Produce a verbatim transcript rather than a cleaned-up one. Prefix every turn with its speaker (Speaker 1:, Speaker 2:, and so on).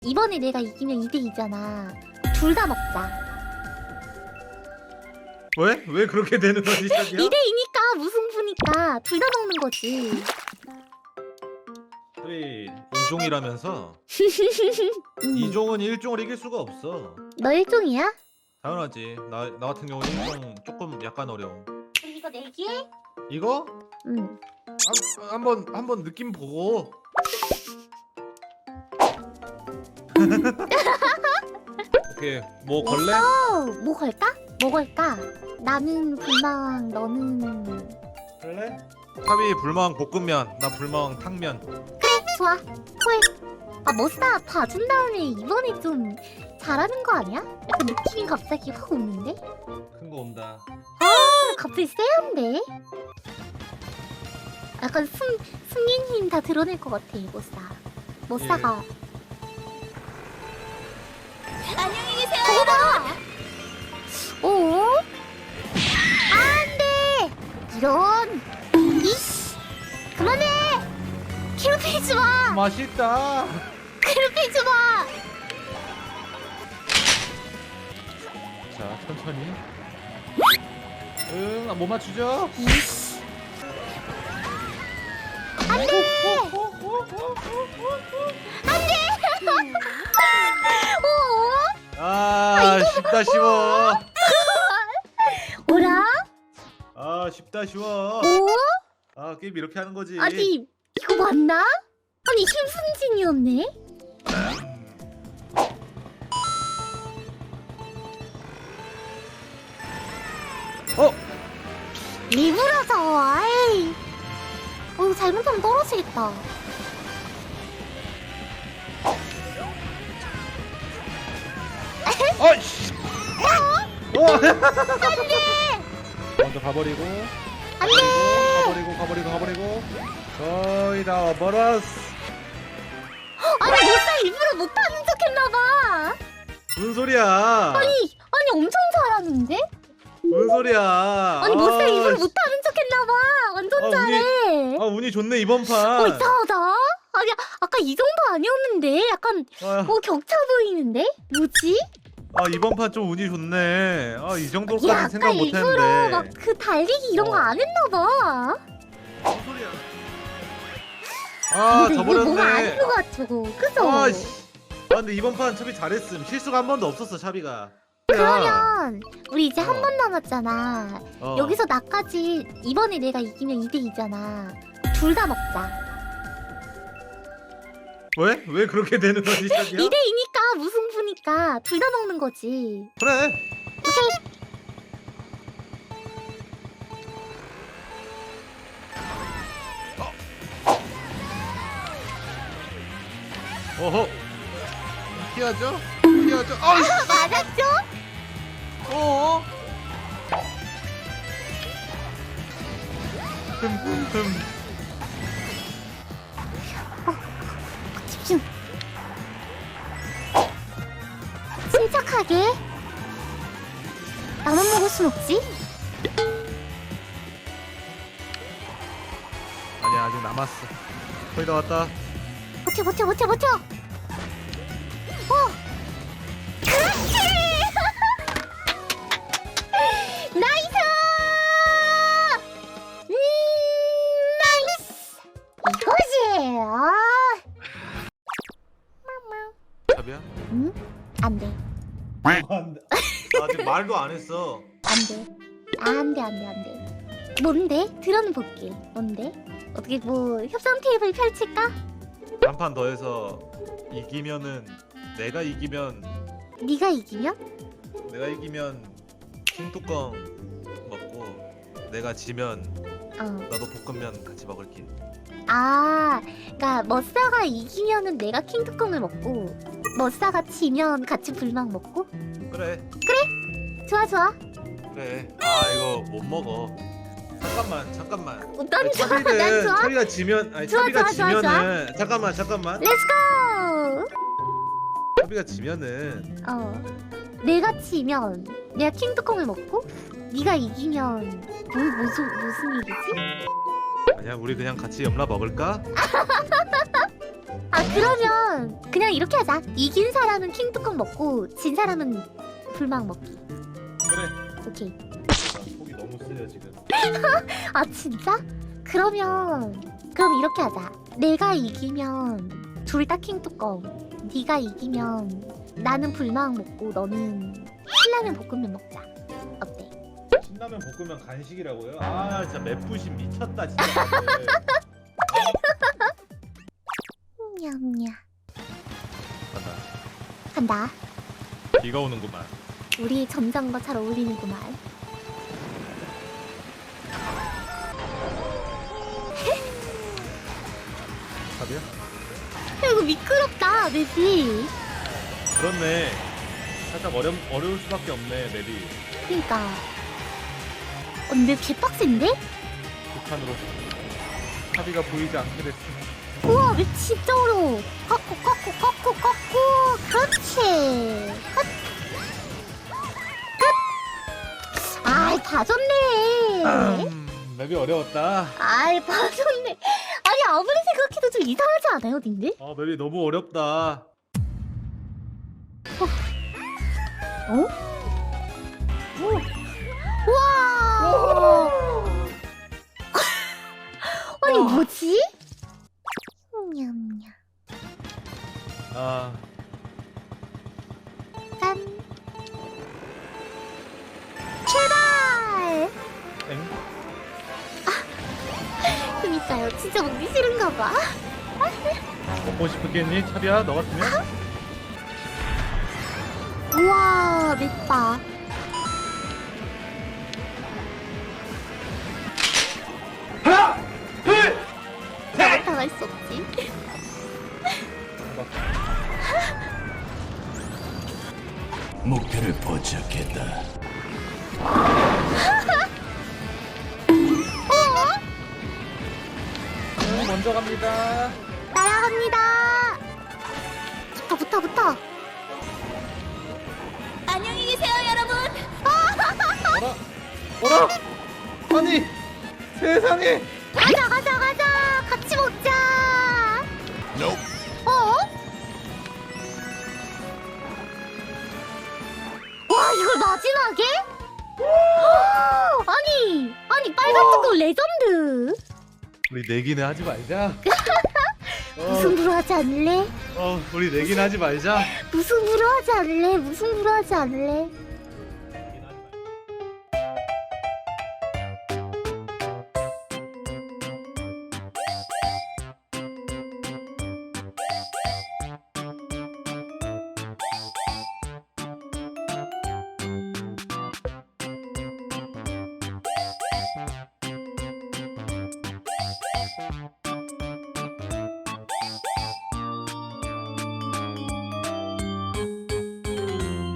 Speaker 1: 이번에 내가 이기면 이 대 이잖아. 둘 다 먹자.
Speaker 2: 왜? 왜 그렇게 되는 거지, 자기야?
Speaker 1: 이 대 이니까 무승부니까 둘 다 먹는 거지.
Speaker 2: 우리 이종이라면서
Speaker 1: 음.
Speaker 2: 이종은 일종을 이길 수가 없어.
Speaker 1: 너 일종이야?
Speaker 2: 당연하지. 나, 나 같은 경우는 일종 조금 약간 어려워.
Speaker 1: 우리 이거 내기해?
Speaker 2: 이거?
Speaker 1: 응.
Speaker 2: 한, 한번 한번 느낌 보고. 오케이, 뭐 걸래?
Speaker 1: 어, 뭐 걸까? 뭐 걸까? 나는 불망, 너는
Speaker 2: 걸래? 탑이 불망 볶음면, 나 불망 탕면.
Speaker 1: 그래 좋아. 콜. 아 머싸 봐준 다음에 이번에 좀 잘하는 거 아니야? 약간 느낌이 갑자기 확 오는데?
Speaker 2: 큰 거 온다.
Speaker 1: 아 갑자기 쎄한데? 약간 숨 숨긴 힘 다 드러낼 것 같아 이 머싸. 머싸가.
Speaker 3: 안녕히 계세요.
Speaker 1: 저거 봐. 오? 안돼. 이런. 이씨. 그만해. 괴롭히지 마.
Speaker 2: 맛있다.
Speaker 1: 괴롭히지 마.
Speaker 2: 자, 천천히. 응, 아, 못 맞추죠?
Speaker 1: 이씨. 안돼. 안돼. 오?
Speaker 2: 아, 쉽다 쉬워.
Speaker 1: 오라?
Speaker 2: 아, 쉽다 쉬워.
Speaker 1: 오?
Speaker 2: 아, 게임 이렇게 하는 거지.
Speaker 1: 아니 이거 맞나? 아니 힘승진이었네?
Speaker 2: 어?
Speaker 1: 리브라서 아이. 어 이거 잘못하면 떨어지겠다.
Speaker 2: 어이씨. 어? 먼저 가버리고.
Speaker 1: 안돼.
Speaker 2: 가버리고 가버리고 가버리고. 거의 다 와버렸어.
Speaker 1: 아니 못사 일부러 못하는 척했나봐.
Speaker 2: 무슨 소리야?
Speaker 1: 아니 아니 엄청 잘하는데?
Speaker 2: 무슨 소리야?
Speaker 1: 아니 못사 일부러
Speaker 2: 씨.
Speaker 1: 못하는 척했나봐. 완전
Speaker 2: 아, 운이-
Speaker 1: 잘해.
Speaker 2: 아, 운이 좋네 이번
Speaker 1: 어
Speaker 2: 판.
Speaker 1: 이상하다. 아니 아까 이 정도 아니었는데 약간
Speaker 2: 아,
Speaker 1: 어 격차 보이는데? 뭐지?
Speaker 2: 아, 이번 판 좀 운이 좋네. 아, 이
Speaker 1: 야
Speaker 2: 정도까지
Speaker 1: 아까
Speaker 2: 생각 못
Speaker 1: 일부러
Speaker 2: 했는데.
Speaker 1: 막 그 달리기 이런 거
Speaker 2: 어.
Speaker 1: 안 했나봐.
Speaker 2: 무슨 소리야? 아,
Speaker 1: 근데 이거 뭐가
Speaker 2: 저버렸네.
Speaker 1: 아닌 것 같고 그죠?
Speaker 2: 아, 씨. 아, 근데 이번 판 찹이 잘했음. 실수가 한 번도 없었어, 찹이가.
Speaker 1: 그러면 우리 이제 한
Speaker 2: 어.
Speaker 1: 번 남았잖아.
Speaker 2: 어.
Speaker 1: 여기서 나까지 이번에 내가 이기면 이 대 이잖아. 둘 다 먹자.
Speaker 2: 왜? 왜 그렇게 되는 거지, 찹이야?
Speaker 1: 이 대 이니까 무승부니까 둘 다 먹는 거지.
Speaker 2: 그래.
Speaker 1: 오케이.
Speaker 2: 어허. 피하죠? 피하죠? 아,
Speaker 1: 맞았죠?
Speaker 2: 어. 흠흠흠.
Speaker 1: 집중. 침착하게. 나만 먹을 순 없지?
Speaker 2: 아니야, 아직 남았어. 거의 다 왔다.
Speaker 1: 버텨 버텨 버텨 버텨. 어. 그렇지. 나이스. 음 나이스. 이거지. 아.
Speaker 2: 찹이야?
Speaker 1: 응? 안 돼.
Speaker 2: 안 돼. 아직 말도 안 했어.
Speaker 1: 안 돼. 안 돼, 안 돼, 안 돼. 뭔데? 들어는 볼게. 뭔데? 어떻게 뭐 협상 테이블 펼칠까?
Speaker 2: 한 판 더 해서 이기면은 내가 이기면
Speaker 1: 네가 이기면?
Speaker 2: 내가 이기면 킹뚜껑 먹고 내가 지면
Speaker 1: 어.
Speaker 2: 나도 볶음면 같이 먹을게.
Speaker 1: 아, 그러니까 머싸가 이기면은 내가 킹뚜껑을 먹고 머싸가 지면 같이 불망 먹고?
Speaker 2: 그래.
Speaker 1: 좋아, 좋아.
Speaker 2: 그래. 아, 이거 못 먹어. 잠깐만, 잠깐만.
Speaker 1: 어, 난
Speaker 2: 아니,
Speaker 1: 좋아, 난
Speaker 2: 차비는
Speaker 1: 좋아.
Speaker 2: 차비가 지면 아니
Speaker 1: 좋아,
Speaker 2: 차비가
Speaker 1: 좋아, 좋아,
Speaker 2: 지면은 잠깐만, 잠깐만.
Speaker 1: 렛츠고!
Speaker 2: 차비가 지면은
Speaker 1: 어. 내가 지면 내가 킹뚜껑을 먹고 네가 이기면 뭐, 무슨, 무슨 일이지?
Speaker 2: 아니야, 우리 그냥 같이 염라 먹을까?
Speaker 1: 아, 그러면 그러면 그냥 이렇게 하자. 이긴 사람은 킹뚜껑 먹고 진 사람은 불망 먹기.
Speaker 2: 그래.
Speaker 1: 오케이.
Speaker 2: 나 속이 너무 쓰여 지금.
Speaker 1: 아 진짜? 그러면 그럼 이렇게 하자. 내가 이기면 둘 다 킹뚜껑. 네가 이기면 나는 불망 먹고 너는 신라면 볶음면 먹자. 어때?
Speaker 2: 신라면 볶으면 간식이라고요? 아 진짜 맵부심 미쳤다 진짜. 다들.
Speaker 1: 냠냠.
Speaker 2: 간다.
Speaker 1: 간다.
Speaker 2: 비가 오는구만.
Speaker 1: 우리 전장과 잘 어울리는구만.
Speaker 2: 답이야?
Speaker 1: 야, 이거 미끄럽다 맵이.
Speaker 2: 그렇네. 살짝 어려 어려울 수밖에 없네 맵이.
Speaker 1: 그니까. 어, 맵 개빡센데?
Speaker 2: 북한으로 합의가 보이지 않게 됐어.
Speaker 1: 우와 맵 진짜 어려워. 꺾고 꺾고 꺾고 꺾고. 그렇지. 컷. 끝. 아이 봐줬네.
Speaker 2: 음, 맵이 어려웠다.
Speaker 1: 아이 봐줬네. 아니 아무리 생각해도 좀 이상하지 않아요 님들?
Speaker 2: 어 맵이 너무 어렵다.
Speaker 1: 어? 우와. 아니
Speaker 2: 우와.
Speaker 1: 뭐지? 냠냠.
Speaker 2: 아
Speaker 1: 짠. 출발.
Speaker 2: 엥?
Speaker 1: 그니까요. 진짜 먹기 싫은가 봐.
Speaker 2: 먹고 싶겠니 차비야 너 같으면?
Speaker 1: 우와 맵다.
Speaker 2: 하나 둘.
Speaker 1: 당할 수 없지.
Speaker 4: 목표를 포착했다.
Speaker 2: 어, 먼저 갑니다.
Speaker 1: 날아갑니다. 붙어 붙어 붙어.
Speaker 3: 안녕히 계세요, 여러분.
Speaker 2: 어라 어라 아니 세상에.
Speaker 1: 가자 가자 가자. 같이 먹자. 어? 와 이걸 마지막에? 아니 아니 빨간 뚜껑 레전드.
Speaker 2: 우리 내기는 하지 말자.
Speaker 1: 무승부로 하지 않을래?
Speaker 2: 어 우리 내기는 하지 말자.
Speaker 1: 무승부로 하지 않을래? 무승부로 하지 않을래?